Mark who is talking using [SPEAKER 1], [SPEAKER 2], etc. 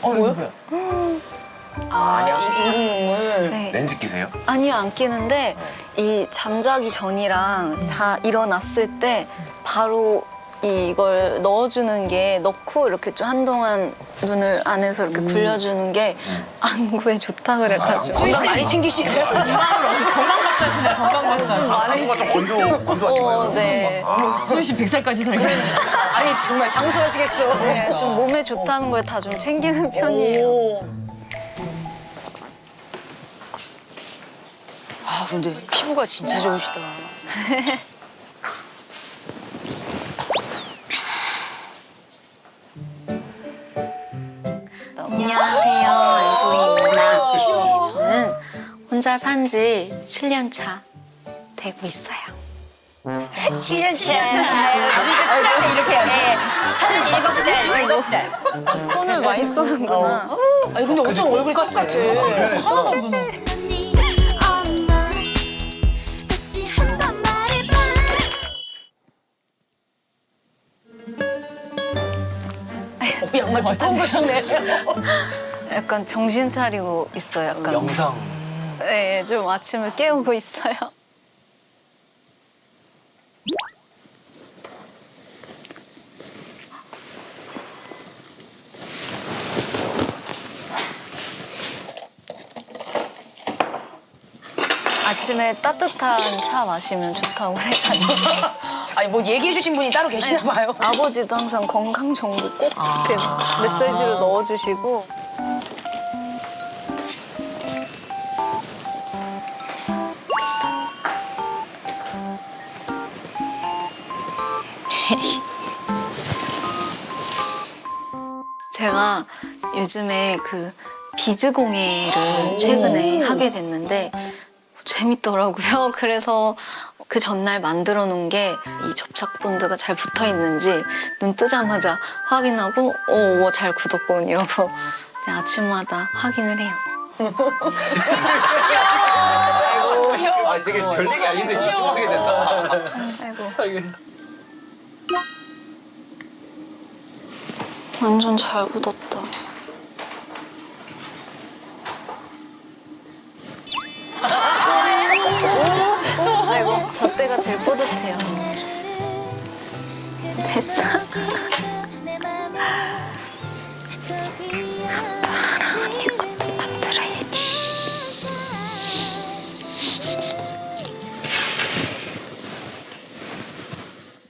[SPEAKER 1] 뭐야? 인공눈물.
[SPEAKER 2] 네.
[SPEAKER 3] 렌즈 끼세요?
[SPEAKER 2] 아니요, 안 끼는데 이 잠자기 전이랑 일어났을 때 바로 이걸 넣어주는 게 넣고 이렇게 좀 한동안 눈을 안에서 이렇게 굴려주는 게 안구에 좋다 그래가지고.
[SPEAKER 1] 건강 많이 챙기시네요.
[SPEAKER 4] 건강박사시네, 건강박사.
[SPEAKER 3] 안구가 좀 건조하신가요?
[SPEAKER 2] 네.
[SPEAKER 4] 소희 씨 100살까지 살겠네.
[SPEAKER 1] 아니 정말 장수하시겠어.
[SPEAKER 2] 네, 좀 몸에 좋다는 걸 다 좀 챙기는 편이에요.
[SPEAKER 1] 오. 아 근데 피부가 진짜 좋으시다.
[SPEAKER 2] 안녕하세요, 안소희입니다. 네, 저는 혼자 산 지 7년 차 되고 있어요.
[SPEAKER 1] 7년 차. 자기가 칠하면 이렇게 해야지. 37살.
[SPEAKER 2] 손을 많이 쓰는구나.
[SPEAKER 1] 아니 근데 어쩜 얼굴이 똑같아.
[SPEAKER 4] 하나도 없는.
[SPEAKER 1] 양말 두꺼운 거 신네.
[SPEAKER 2] 약간 정신 차리고 있어요. 약간.
[SPEAKER 3] 영상.
[SPEAKER 2] 네, 좀 아침을 깨우고 있어요. 아침에 따뜻한 차 마시면 좋다고 그래가지고.
[SPEAKER 1] 아니 뭐 얘기해 주신 분이 따로 계시나 봐요.
[SPEAKER 2] 아버지도 항상 건강 정보 꼭 이렇게 메시지로 넣어주시고. 제가 요즘에 그 비즈공예를 최근에 하게 됐는데 재밌더라고요. 그래서 그 전날 만들어 놓은 게 이 접착 본드가 잘 붙어 있는지 눈 뜨자마자 확인하고 잘 굳었군 이러고 아침마다 확인을 해요.
[SPEAKER 3] 아, 되게 별얘기 아닌데 집중하게 된다.
[SPEAKER 2] 아이고. 완전 잘 굳었다. 아이고, 저 때가 제일 뿌듯해요. 됐어.